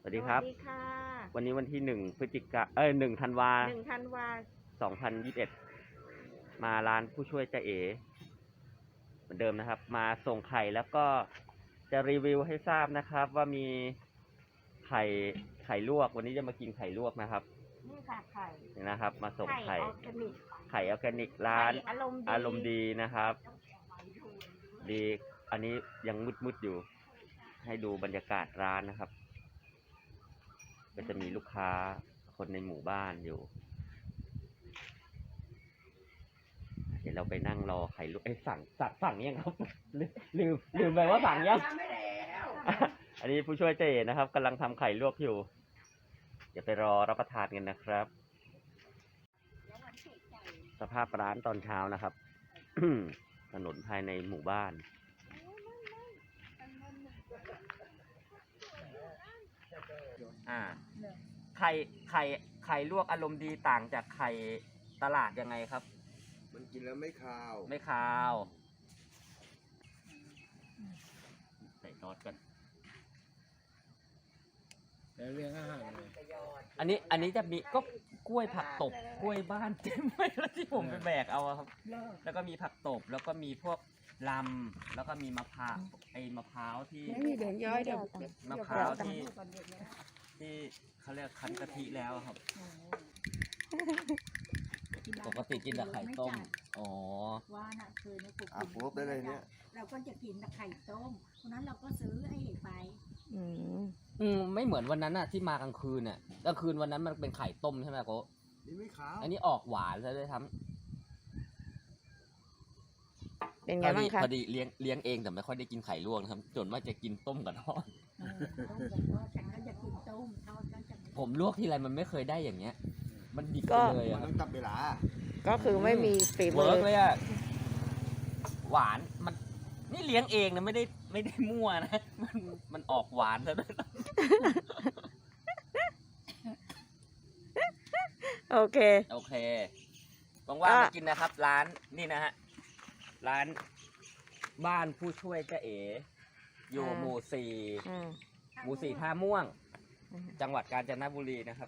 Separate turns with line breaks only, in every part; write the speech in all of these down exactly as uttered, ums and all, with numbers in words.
สวัสดีครับ
สวัสดีค่ะ
วันนี้วันที่หนึ่งพฤศจิกาเอ้ยหนึ่งธันวา
หนึ่งธันวา
สองพันยี่สิบเอ็ดมาร้านผู้ช่วยเจ๊เอ๋เหมือนเดิมนะครับ มาส่งไข่แล้วก็จะรีวิวให้ทราบนะครับ ว่ามีไข่ไข่ลวก วันนี้จะมากินไข่ลวกนะครับ
นี่ค่ะไข่
นี่นะครับ มาส่งไข่
ออร์แกนิก
ไข่ออร์แกนิกร้าน
อารมณ์ดี
อารมณ์ดีนะครับ ดี อันนี้ยังมืดๆอยู่ ให้ดูบรรยากาศร้านนะครับก็จะมีลูกค้าคนในหมู่บ้านอยู่ เดี๋ยวเราไปนั่งรอไข่ลูกเอ้ยสั่งสั่งสั่งยังครับลืมลืมลืมไปว่าสั่งยังอันนี้ผู้ช่วยเจนะครับกำลังทำไข่ลวกอยู่เดี๋ยวไปรอรับประทานกันนะครับ สภาพร้านตอนเช้านะครับ ถนนภายในหมู่บ้านอ่าไข่ไข่ไข่ลวกอารมณ์ดีต่างจากไข่ตลาดยังไงครับ
มันกินแล้วไม่คาว
ไม่คาวใส่ซอสกัน
แล้วเรื่องอาหารเลย
อันนี้อันนี้จะมีก็กล้วยผักตบกล้วยบ้านเต็มไปแล้วที่ผมไปแบกเอาครับแล้วก็มีผักตบแล้วก็มีพวกลำแล้วก็มีมะพร้าวไอ้มะพร้าวที่
ไม่มีเหลืองย้อยเดี๋ยว
มะพร้าวที่ที่เขาเรียกคั้นกะทิแล้วครับปกติกินแต่ไข่ต้มอ๋อ
ว่าน่ะเคยนะปลูก
อ่ะปุ๊บได้เลยเนี่ย
เราก็จะกินแต่ไข่ต้มเพราะนั้นเราก็ซื้อไอ้ไป
อืม
อืมไม่เหมือนวันนั้นน่ะที่มากลางคืนน่ะกลางคืนวันนั้นมันเป็นไข่ต้มใช่ไหมโก้
นี่ไม่ขาว
อันนี้ออกหวานซะด้วยทั้ง
เป็น
พ
ไง
อ
บ้า
ดี
งคะ
พอดีเลี้ยงเลี้ยงเองแต่ไม่ค่อยได้กินไข่ลวกนะครับจนว่าจะกินต้มกับทอด
เออต้มกับทอดฉันก็จะกินต้มทอดก็จะ
ผมลวกทีไรมันไม่เคยได้อย่างเงี้ย มันดิบไปเลย
มั
อะ
นต้องจับเวลา
ก็คือไม่มีฝีมื
เวิ
อ
ร์กเลยอะหวานมันนี่เลี้ยงเองนะไม่ได้ไม่ได้มั่วนะมันมันออกหวานซะด้วย
โอเค
โอเคว่างๆมากินนะครับ ร้านนี่นะฮะร้านบ้านผู้ช่วยเจ๊เอ๋อยู่
อ่า
หมู่สี่
อืม
หมู่สี่ท่าม่วง
อืม
จังหวัดกาญจนบุรีนะครับ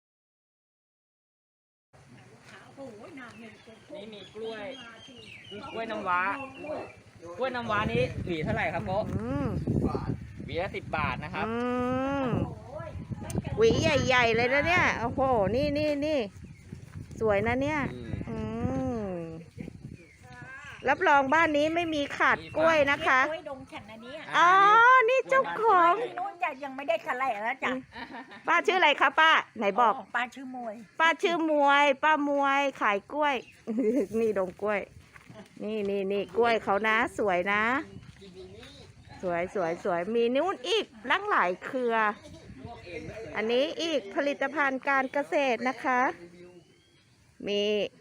โอ้ยนานเนี่ย
นี่มีกล้วยกล้วยน้ำว้ากล้วยน้ำว้านี้หวีเท่าไหร่ครับโกะ
อืม
หวีละสิบบาทนะครับ
อืมหวีใหญ่ ๆ เลยนะเนี่ย โอ้โห นี่นี่นี่ สวยนะเนี่ย
อืม
อืม รับรองบ้านนี้ไม่มีขาดกล้วยนะคะ
กล้วยดงฉันอันนี้
อ๋อ นี่เจ้าของ
ที่นู้นจะยังไม่ได้ทะเลแล้วจ้ะ
ป้าชื่ออะไรคะป้า ไหนบอก
ป้าชื่อมวย
ป้าชื่อมวย ป้ามวยขายกล้วย นี่ดงกล้วย นี่นี่นี่กล้วยเขานะ สวยนะ สวยสวยสวยมีนู้นอีกลังหลายเครือ อันนี้อีกผลิตภัณฑ์การเกษตรนะคะ มี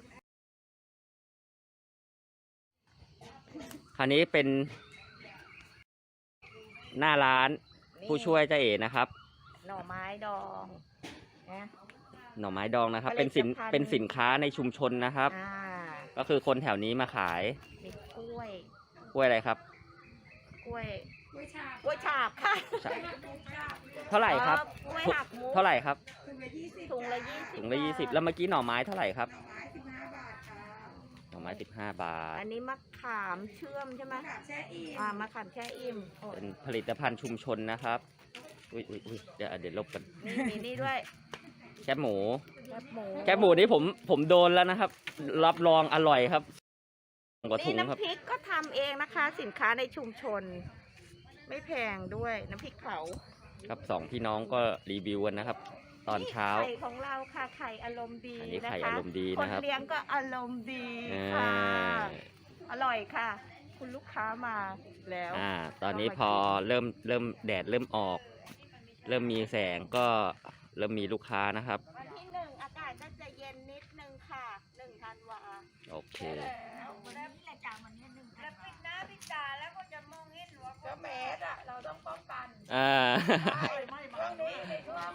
คราวนี้เป็นหน้าร้านผู้ช่วยเจ๊เอ๋นะครับ
หน่อไม้ดองนะ
หน่อไม้ดองนะครับ
ผลิ
เป็น
ต
สิน
ภัณฑ์
เป็นสินค้าในชุมชนนะครับ
อ่า
ก็คือคนแถวนี้มาขาย
มีกล้วย
กล้วยอะไรครับ
กล้วยกล้วยฉาบกล้วยฉาบค่ะ
เท่าไหร่ครับ
อ๋อกล้วยหักมุก
เท่าไหร่ครับ
ถุงละยี่สิบ
ถุงละยี่สิบแล้วเมื่อกี้หน่อไม้เท่าไหร่ครับหน่อไม้สิบห้าบาท
อันนี้มะขามเชื่อมใช่ไหมแช่อิ่มอ่ามะขามแช่อิ่มโอ้
เป็นผลิตภัณฑ์ชุมชนนะครับ อุ้ยอุ้ยอุ้ยเดี๋ยวเดี๋ยวลบกัน
นี่มีนี่ด้วย
แคบหมู
แคบหมู
แคบหมูนี่ผมผมโดนแล้วนะครับ รับรองอร่อยครับกว่าถุ
นี่
งครับ
น้ำพริกก็ทำเองนะคะ สินค้าในชุมชน ไม่แพงด้วยน้ำพริกเผา
ครับสองพี่น้องก็รีวิวกันนะครับ ตอนเช้า
ไข่ของเราค่ะไข่อารมณ์ดี
อันนี้
นะคะ
ไข่อารมณ์ดีนะครับ
คนเลี้ยงก็อารมณ์ดี
อ่
ค่ะ
า
อร่อยค่ะ คุณลูกค้ามาแล้ว
อ่า ตอนนี้พอเริ่มเริ่มแดดเริ่มออก เริ่มมีแสงก็เริ่มมีลูกค้านะครับ
วันที่หนึ่งอากาศก็จะเย็นนิดนึงค่ะหนึ่งธันวา
โอเค
วันนี้แหละจ้ะวันนี้หนึ่งธันวา
หน้าพิจาแล้วก็จะมองเห็นหัวก็แมสอะเราต้องป้องกัน
อ่า
ช่วงนี้ในช่วง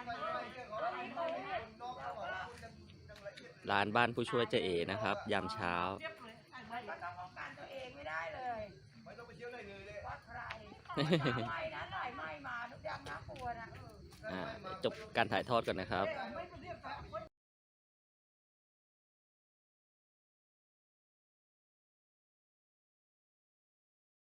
ร้านบ้านผู้ช่วยเจเอนะครับ ยามเช้า
ก็ต้องป้องกันตัวเองไม่ได้เลยไม่ต้องไปเที่ยวไหนเลยว่าใครไม่นะหน่อยไม่มาทุกอย่างน่ากลัวนะ
อ่าจบการถ่ายทอดก่อนนะครับ
ไม่